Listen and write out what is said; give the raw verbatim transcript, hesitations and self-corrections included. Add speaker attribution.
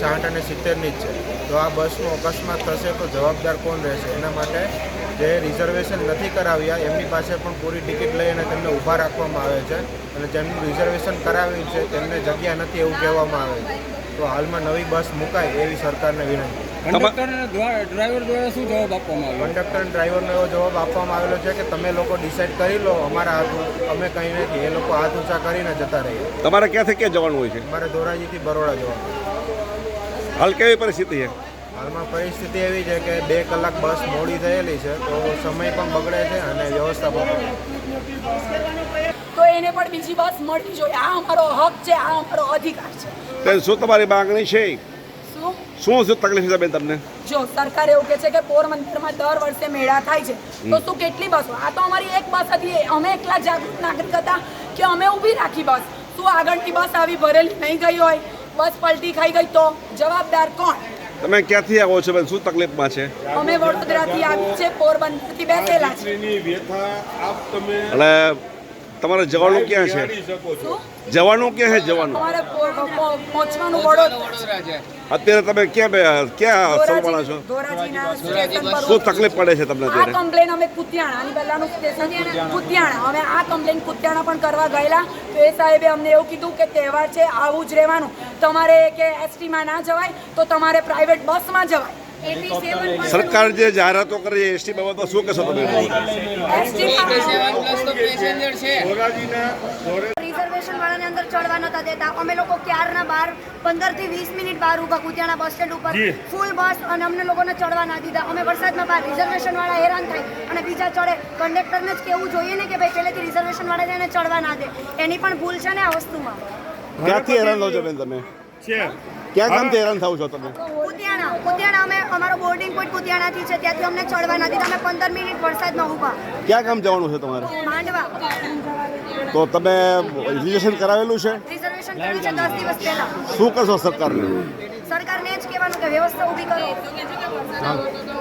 Speaker 1: સાઠ અને સિત્તેરની જ છે. તો આ બસનો અકસ્માત થશે તો જવાબદાર કોણ રહેશે? એના માટે જે રિઝર્વેશન નથી કરાવ્યા એમની પાસે પણ પૂરી ટિકિટ લઈ અને તેમને ઊભા રાખવામાં આવે છે અને જેમનું રિઝર્વેશન કરાવ્યું છે તેમને જગ્યા નથી એવું કહેવામાં આવે છે. તો હાલમાં નવી બસ મુકાય એવી સરકારને વિનંતી.
Speaker 2: કંડક્ટર અને ડ્રાઈવર દ્વારા શું જવાબ આપવામાં આવ્યો?
Speaker 1: કંડક્ટર અને ડ્રાઈવરનો એવો જવાબ આપવામાં આવેલો છે કે તમે લોકો ડિસાઇડ કરી લો, અમારા હાથ અમે કંઈ નથી. એ લોકો હાથ ઊંચા કરીને જતા રહીએ.
Speaker 3: તમારે ક્યાંથી ક્યાં જવાનું હોય છે?
Speaker 1: અમારે ધોરાજીથી બરોડા જવાનું.
Speaker 3: હાલ કેવી પરિસ્થિતિ છે?
Speaker 1: હાલમાં પરિસ્થિતિ એવી છે કે બે કલાક બસ મોડી થયેલી છે તો સમય પણ બગડે છે અને વ્યવસ્થા પણ.
Speaker 4: તો એને પણ બીજી બસ મળવી જોઈએ. આ અમારો હક છે, આ અમારો અધિકાર છે.
Speaker 3: બેન, શું તમારી માંગણી છે?
Speaker 4: શું
Speaker 3: શું શું તકલીફ છે બેન તમને?
Speaker 4: જો સરકાર એવું કહે છે કે પોરબંદરમાં દર વર્ષે મેળા થાય છે, તો શું કેટલી બસો? આ તો અમારી એક બસ હતી. અમે એકલા જાગૃત નાગરિક હતા કે અમે ઊભી રાખી બસ. શું આગળની બસ આવી ભરેલી નહીં ગઈ હોય, બસ પલટી ખાઈ ગઈ તો જવાબદાર કોણ?
Speaker 3: તમે ક્યાંથી આવો છો બેન? શું તકલીફમાં છે?
Speaker 4: અમે વડોદરાથી આવી છે, પોરબંદરથી બેસેલા છે.
Speaker 3: એટલે તમારે જવાનું ક્યાં છે?
Speaker 4: શું
Speaker 3: જવાનું ક્યાં છે? જવાનું
Speaker 4: અમારે પો- પો- પહોંચવાનું વડોદરા છે.
Speaker 3: અત્યારે તમે ક્યાં બે- ક્યાં સલવાના છો?
Speaker 4: ધોરાજીના સ્ટેશન પર
Speaker 3: શું તકલીફ પડે છે તમને
Speaker 4: આ
Speaker 3: અત્યારે?
Speaker 4: કમ્પ્લેન અમે કુતિયાણા આની પહેલાનું સ્ટેશન કુતિયાણા અમે આ કમ્પ્લેન કુતિયાણા પણ કરવા ગયેલા તો એ સાહેબે અમને એવું કીધું કે તહેવાર છે, આવું જ રહેવાનું. તમારે કે એસટીમાં ના જવાય તો તમારે પ્રાઇવેટ બસમાં જવાય.
Speaker 3: સરકાર જે જાહેરાતો કરે છે એસટી બાબતમાં શું કહેશો તમે?
Speaker 5: રિઝર્વેશન વાળાને અંદર ચડવા નતા દેતા. અમે લોકો ક્યારના બાર પંદર થી વીસ મિનિટ બહાર ઊભા કુતિયાણા બસ સ્ટેન્ડ ઉપર, ફૂલ બસ, અને અમને લોકોને ચડવા ના દીધા. અમે વરસાદમાં બહાર, રિઝર્વેશન વાળા હેરાન થાય અને બીજા ચડે. કંડક્ટરને જ કેવું જોઈએ ને કે ભાઈ પહેલેથી રિઝર્વેશન વાળા એને ચડવા ના દે. એની પણ ભૂલ છે ને આ વસ્તુમાં.
Speaker 3: ક્યાંથી હેરાન થાવ છો બેન તમે? ક્યાં ગામથી હેરાન થાવ છો તમે?
Speaker 5: કુતિયાણા કુતિયાણા અમે અમારો બોર્ડિંગ પોઈન્ટ કુતિયાણાથી છે, ત્યાંથી અમને ચડવા ના દીધા. અમે પંદર મિનિટ વરસાદમાં ઊભા.
Speaker 3: ક્યાં ગામ જવાનું છે તમારે?
Speaker 5: માંડવા.
Speaker 3: તો તમે રિઝર્વેશન કરાવેલું છે?
Speaker 5: રિઝર્વેશન કર્યું છે દસ દિવસ પહેલા.
Speaker 3: શું કરશો સરકારને?
Speaker 5: સરકારને જ કહેવાનું કે વ્યવસ્થા ઊભી કરો.